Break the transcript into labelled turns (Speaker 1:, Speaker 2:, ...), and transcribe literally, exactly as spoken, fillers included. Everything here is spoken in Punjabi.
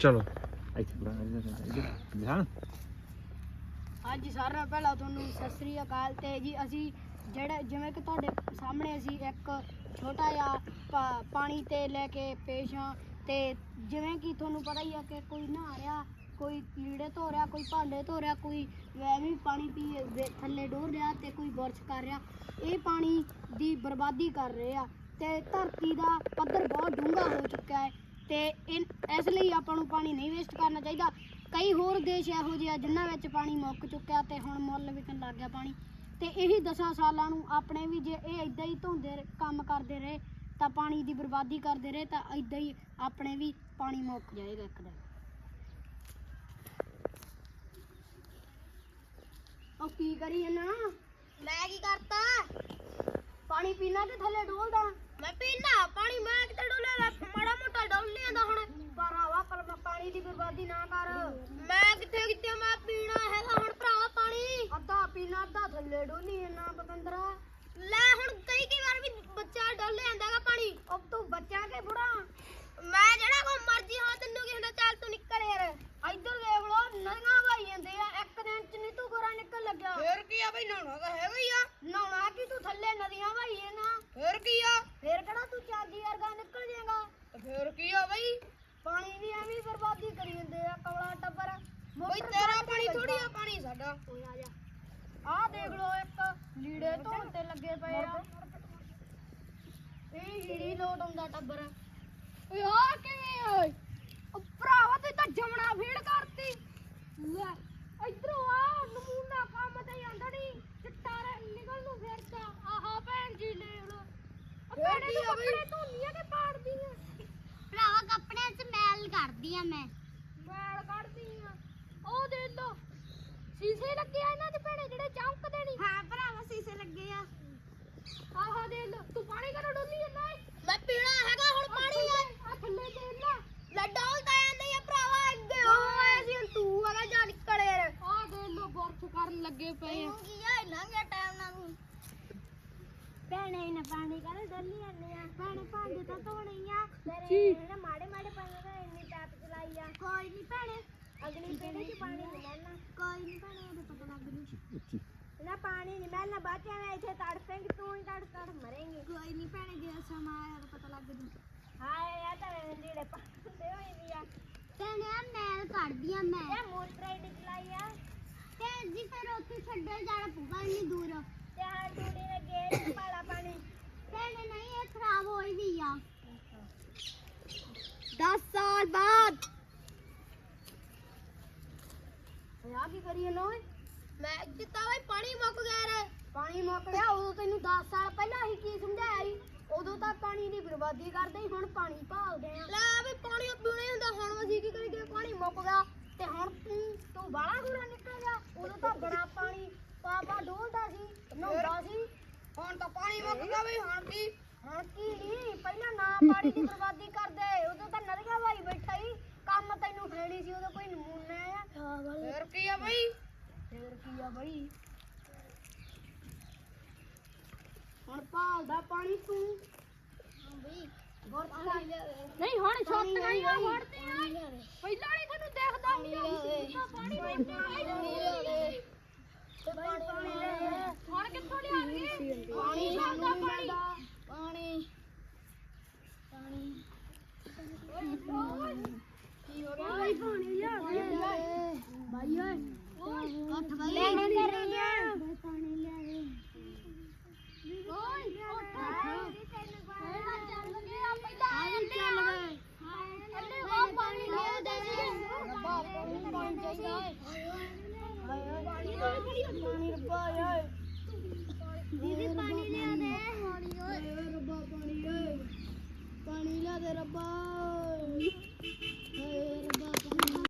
Speaker 1: ਚਲੋ
Speaker 2: ਇੱਥੇ ਬੁਰਾ ਇੱਧਰ ਧਿਆਨ।
Speaker 3: ਹਾਂਜੀ ਸਾਰਿਆਂ ਨਾਲੋਂ ਪਹਿਲਾਂ ਤੁਹਾਨੂੰ ਸਤਿ ਸ੍ਰੀ ਅਕਾਲ। ਤੇ ਜੀ ਅਸੀਂ ਜਿਹੜਾ ਜਿਵੇਂ ਕਿ ਤੁਹਾਡੇ ਸਾਹਮਣੇ ਅਸੀਂ ਇੱਕ ਛੋਟਾ ਜਿਹਾ ਪਾ- ਪਾਣੀ ਤੇ ਲੈ ਕੇ ਪੇਸ਼ ਹਾਂ। ਤੇ ਜਿਵੇਂ ਕਿ ਤੁਹਾਨੂੰ ਪਤਾ ਹੀ ਆ ਕਿ ਕੋਈ ਨਹਾ ਰਿਹਾ, ਕੋਈ ਲੀੜੇ ਧੋ ਰਿਹਾ, ਕੋਈ ਭਾਂਡੇ ਧੋ ਰਿਹਾ, ਕੋਈ ਐਵੇਂ ਪਾਣੀ ਪੀ ਵੇ- ਥੱਲੇ ਡੋਲ ਰਿਹਾ ਤੇ ਕੋਈ ਬੁਰਸ਼ ਕਰ ਰਿਹਾ। ਇਹ ਪਾਣੀ ਦੀ ਬਰਬਾਦੀ ਕਰ ਰਹੇ ਆ ਤੇ ਧਰਤੀ ਦਾ ਪੱਧਰ ਬਹੁਤ ਡੂੰਘਾ ਹੋ ਚੁੱਕਾ ਹੈ ਤੇ ਇਨ ਇਸ ਲਈ ਆਪਾਂ ਨੂੰ ਪਾਣੀ ਨਹੀਂ ਵੇਸਟ ਕਰਨਾ ਚਾਹੀਦਾ। ਕਈ ਹੋਰ ਦੇਸ਼ ਇਹੋ ਜਿਹੇ ਆ ਜਿਨ੍ਹਾਂ ਵਿੱਚ ਪਾਣੀ ਮੁੱਕ ਚੁੱਕਿਆ ਤੇ ਹੁਣ ਮੁੱਲ ਵਿਕਣ ਲੱਗ ਗਿਆ ਪਾਣੀ। ਤੇ ਇਹੀ ਦਸਾਂ ਸਾਲਾਂ ਨੂੰ ਆਪਣੇ ਵੀ ਜੇ ਇਹ ਇਦਾਂ ਹੀ ਧੋਂਦੇ ਰ- ਕੰਮ ਕਰਦੇ ਰਹੇ ਤਾਂ ਪਾਣੀ ਦੀ ਬਰਬਾਦੀ ਕਰਦੇ ਰਹੇ ਤਾਂ ਇਦਾਂ ਹੀ ਆਪਣੇ ਵੀ ਪਾਣੀ ਮੁੱਕ ਜਾਏਗਾ ਇੱਕ ਦਿਨ। ਉਹ ਕੀ ਕਰੀ ਨਾ? ਮੈਂ ਕੀ ਕਰਤਾ? ਪਾਣੀ ਪੀਣਾ ਤੇ ਥੱਲੇ ਡੋਲਦਾ। ਮੈਂ ਪੀਣਾ ਪਾਣੀ, ਮੈਂ ਕਿਤੇ ਡੋਲਿਆ? ਮਾੜਾ ਮੋਟਾ ਡੋਲ ਨਹੀਂ ਆਂਦਾ ਹੁਣ। ਭਰਾਵਾ ਪਰ ਪਾਣੀ ਦੀ ਬਰਬਾਦੀ ਨਾ ਕਰ। ਮੈਂ ਕਿੱਥੇ ਕਿੱਥੇ ਮੈਂ ਪੀਣਾ ਹੈਗਾ ਹੁਣ ਭਰਾਵਾ ਪਾਣੀ। ਅੱਧਾ ਪੀਣਾ ਅੱਧਾ ਥੱਲੇ ਡੋਲੀ ਨਾ ਪਤੰਦਰਾ। ਲੈ ਹੁਣ ਕਈ ਕਈ ਵਾਰ ਵੀ ਬੱਚਾ ਡੋਲ ਜਾਂਦਾਗਾ ਪਾਣੀ। ਉਹ ਤੂੰ ਬੱਚਾ ਕੇ ਬੁੜਾ? ਮੈਂ ਜਿਹੜਾ ਕੋ ਮਰਜੀ ਹਾਂ ਤੈਨੂੰ ਕੀ ਹੁੰਦਾ? ਚੱਲ ਤੂੰ ਨਿਕਲ ਯਾਰ। ਇੱਧਰ ਦੇਖ ਲੋ ਨਦੀਆਂ ਵਹਾਈ ਜਾਂਦੇ ਆ। ਇੱਕ ਦਿਨ ਚ ਨਹੀਂ ਤੂੰ ਗੋਰਾ ਨਿਕਲ ਲੱਗਿਆ। ਫੇਰ ਕੀ ਆ ਬਈ? ਨਹਾਉਣਾ ਤਾਂ ਹੈਗਾ ਹੀ ਆ। ਨਹਾਉਣਾ ਕੀ ਤੂੰ ਥੱਲੇ ਨਦੀਆਂ ਵਹਾਈਏ ਨਾ। ਫੇਰ ਕੀ ਆ? ਫੇਰ ਕਿਹੜਾ ਤੂੰ ਚਾਂਦੀ ਵਰਗਾ ਨਿਕਲ ਜਾਏਗਾ। ਫੇਰ ਕੀ ਆ ਬਈ? ਪਾਣੀ ਦੀ ਐਵੇਂ ਬਰਬਾਦੀ ਕਰੀ ਜਾਂਦੇ ਆ ਕਵਲਾ ਟੱਬਰ। ਬਈ ਤੇਰਾ ਪਾਣੀ ਥੋੜੀ ਆ, ਪਾਣੀ ਸਾਡਾ। ਓਏ ਆ ਜਾ। ਆਹ ਦੇਖ ਲੋ ਇੱਕ ਲੀੜੇ ਧੋਣ ਤੇ ਲੱਗੇ ਪਏ ਆ। ਇਹ ਹੀੜੀ ਲੋਟ ਆਉਂਦਾ ਟੱਬਰ। ਓਏ ਆ ਕਿਵੇਂ ਓਏ? ਉਹ ਭਰਾਵਾ ਤੂੰ ਤਾਂ ਜਮਣਾ ਫੀੜ ਕਰਤੀ। ਲੈ ਇਧਰੋਂ ਆ ਨਮੂਨਾ ਕੰਮ ਤੇ ਜਾਂਦਾ ਨਹੀਂ ਚਿੱਟਾ ਨਿਕਲ ਨੂੰ ਫਿਰਦਾ। ਆਹਾ ਭੈਣ ਜੀ ਲੈ ਲੋ। ਭੈਣੇ ਤੂੰ ਕੱਪੜੇ ਧੋਨੀਆਂ ਕਿ ਪਾੜਦੀਆਂ?
Speaker 4: ਭਰਾਵਾ ਕੱਪੜਿਆਂ 'ਚ ਮੈਲ ਕਰਦੀ ਆ ਮੈਂ।
Speaker 3: ਮੈਲ ਕੱਢਦੀ ਆ। ਉਹ ਦੇ ਲੋ ਸ਼ੀਸ਼ੇ ਲੱਗੇ ਆ ਇਹਨਾਂ ਦੇ ਭੈਣੇ ਜਿਹੜੇ ਚਮਕਦੇ ਨਹੀਂ।
Speaker 4: ਹਾਂ ਭਰਾਵਾ ਸੀਸੇ ਲੱਗੇ ਆ।
Speaker 3: ਆਹਾ ਦੇ ਲੋ। ਤੂੰ ਪਾਣੀ ਕਰੋ ਡੋਲੀ ਜਾਂਦਾ ਏ?
Speaker 4: ਮੈਂ ਪੀਣਾ ਹੈਗਾ ਹੁਣ ਪਾਣੀ।
Speaker 3: ਆ ਥੱਲੇ ਦੇ ਲੈ।
Speaker 4: ਲੈ ਡੋਲਦਾ ਜਾਂਦਾ ਆ ਭਰਾਵਾ ਅੱਗੇ ਹੋਏ ਸੀ ਤੂੰ ਹੈਗਾ ਜਾ ਨਿਕਲ ਯਾਰ।
Speaker 3: ਆ ਦੇ ਲੋ ਬੁਰਸ਼ ਕਰਨ ਲੱਗੇ ਪਏ ਆ।
Speaker 4: ਕੀ ਆ ਲੰਘ ਗਿਆ ਟਾਈਮ ਨਾਲ ਨੂੰ। ਭੈਣੇ ਨਾ ਪਾਣੀ ਕਰ ਡੋਲੀ ਜਾਂਦੇ ਆ। ਭੈਣੇ ਭਾਂਡੇ ਤਾਂ ਧੋਣੇ ਆ ਤੇਰੇ ਨਾ ਮਾੜੇ ਮਾੜੇ ਪਾਣੀ ਦਾ ਇੰਨੀ ਟੈਪ ਚਲਾਈ ਆ। ਕੋਈ ਨਹੀਂ ਭੈਣੇ ਅਗਲੀ ਪੀੜੀ 'ਚ ਪਾਣੀ ਨਹੀਂ ਮਿਲਣਾ। ਕੋਈ ਨਹੀਂ ਭੈਣੇ ਉਹਦੇ ਪਤਾ ਲੱਗ ਜੂ ਨਾ ਪਾਣੀ ਨਹੀਂ ਮਿਲਣਾ। ਬਾਅਦ ਮੈਂ ਇੱਥੇ ਤੜਫੇਂਗੀ ਤੂੰ ਹੀ ਤੜ ਤੜ ਮਰੇਂਗੀ। ਕੋਈ ਨਹੀਂ ਭੈਣੇ ਜੇ ਸਮਾਂ ਆਇਆ ਤਾਂ ਪਤਾ ਲੱਗ ਜੂ। ਹਾਏ ਆ ਤਾਂ ਲੀੜੇ ਪਾਉਂਦੇ ਹੋਈ ਵੀ ਆ। ਭੈਣੇ ਆ ਮੈਲ ਕੱਢਦੀ ਆ ਮੈਂ। ਇਹ ਮੋਟਰ ਆਈਡੀ ਚਲਾਈ ਆ ਤੇ ਜੀ ਫਿਰ ਉੱਥੇ ਛੱਡੇ ਜਾਣਾ ਪਊਗਾ ਇੰਨੀ ਦੂਰ। ਤੇ ਹਾਂ ਟੂੜੀ ਨੇ ਗੇਟ ਪਾਲਾ ਪਾਣੀ। ਭੈਣੇ ਨਹੀਂ ਇਹ ਖਰਾਬ ਹੋਈ ਵੀ ਆ।
Speaker 3: ਦਸ ਸਾਲ ਬਾਅਦ ਆ ਕੀ ਕਰੀਏ ਲੋਏ?
Speaker 4: ਮੈਂ ਕਿਤਾ ਬਈ ਪਾਣੀ ਮੁੱਕ ਗਿਆ ਰੇ।
Speaker 3: ਪਾਣੀ ਮੁੱਕ ਗਿਆ। ਉਦੋਂ ਤੈਨੂੰ ਦਸ ਸਾਲ ਪਹਿਲਾਂ ਹੀ ਕੀ ਸਮਝਾਇਆ ਸੀ? ਉਦੋਂ ਤਾਂ ਪਾਣੀ ਦੀ ਬਰਬਾਦੀ ਕਰਦੇ ਸੀ, ਹੁਣ ਪਾਣੀ ਭਾਲਦੇ ਆ।
Speaker 4: ਲੈ ਵੀ ਪਾਣੀ ਪੀਣਾ ਹੀ ਹੁੰਦਾ। ਹੁਣ ਅਸੀਂ ਕੀ ਕਰੀਏ? ਪਾਣੀ ਮੁੱਕ ਗਿਆ
Speaker 3: ਤੇ ਹੁਣ ਤੂੰ ਤੂੰ ਬਾਹਲਾ ਗੂੜਾ ਨਿਕਲ ਗਿਆ। ਉਦੋਂ ਤਾਂ ਬੜਾ ਪਾਣੀ ਪਾਪਾ ਡੋਲਦਾ ਸੀ, ਨਹਾਉਂਦਾ ਸੀ।
Speaker 4: ਹੁਣ ਤਾਂ ਪਾਣੀ ਮੁੱਕ ਗਿਆ ਬਈ। ਹੁਣ ਕੀ?
Speaker 3: ਹੁਣ ਕੀ ਨਹੀਂ ਪਹਿਲਾਂ ਨਾ ਪਾਣੀ ਦੀ ਬਰਬਾਦੀ ਕਰਦੇ। ਉਦੋਂ ਤਾਂ ਨਦੀਆਂ ਭਾਈ ਬੈਠਾ ਹੀ ਕੰਮ ਤੈਨੂੰ ਫੇੜੀ ਸੀ। ਉਦੋਂ ਕੋਈ ਨਮੂਨਾ ਆ।
Speaker 4: ਫੇਰ ਕੀ ਆ ਬਈ?
Speaker 3: ਫੇਰ ਕੀ ਆ ਬਈ? ਹੁਣ ਭਾਲਦਾ ਪਾਣੀ ਤੂੰ।
Speaker 4: ਬਈ
Speaker 3: ਨਹੀਂ ਹੁਣ ਛੱਤ ਨਹੀਂ ਆ ਵੜਦੇ ਆ। ਪਹਿਲਾਂ ਨਹੀਂ ਤੁਹਾਨੂੰ ਦੇਖਦਾ ਹੁੰਦਾ ਪਾਣੀ
Speaker 4: ਪਾਣੀ
Speaker 3: ਹੁਣ ਕਿੱਥੋਂ ਲਿਆਣਗੇ ਪਾਣੀ? ਸਾਨੂੰ ਪਾਣੀ
Speaker 4: ਪਾਣੀ ਪਾਣੀ
Speaker 3: ਕੀ ਹੋ ਗਿਆ? ਭਾਈ ਪਾਣੀ ਲਿਆ ਭਾਈ ਓਏ
Speaker 4: ਉੱਠ ਬਈ
Speaker 3: ਲੈਣੇ ਕਰ ਰਹੀ ਆ।
Speaker 4: ਪਾਣੀ ਲਿਆ ਦੇ।
Speaker 3: ਓਏ ਉੱਠ
Speaker 4: ਚੱਲ ਗਿਆ ਪਹਿਲਾਂ
Speaker 3: ਆਈ ਚੱਲ ਗਏ।
Speaker 4: ਅੱਲੇ ਉਹ ਪਾਣੀ ਲਿਆ ਦੇ।
Speaker 3: ਰੱਬਾ ਪਾਣੀ ਪਾਣੀ ਚਾਹੀਦਾ ਓਏ। ਪਾਣੀ ਰੱਬਾ ਯਾਰ।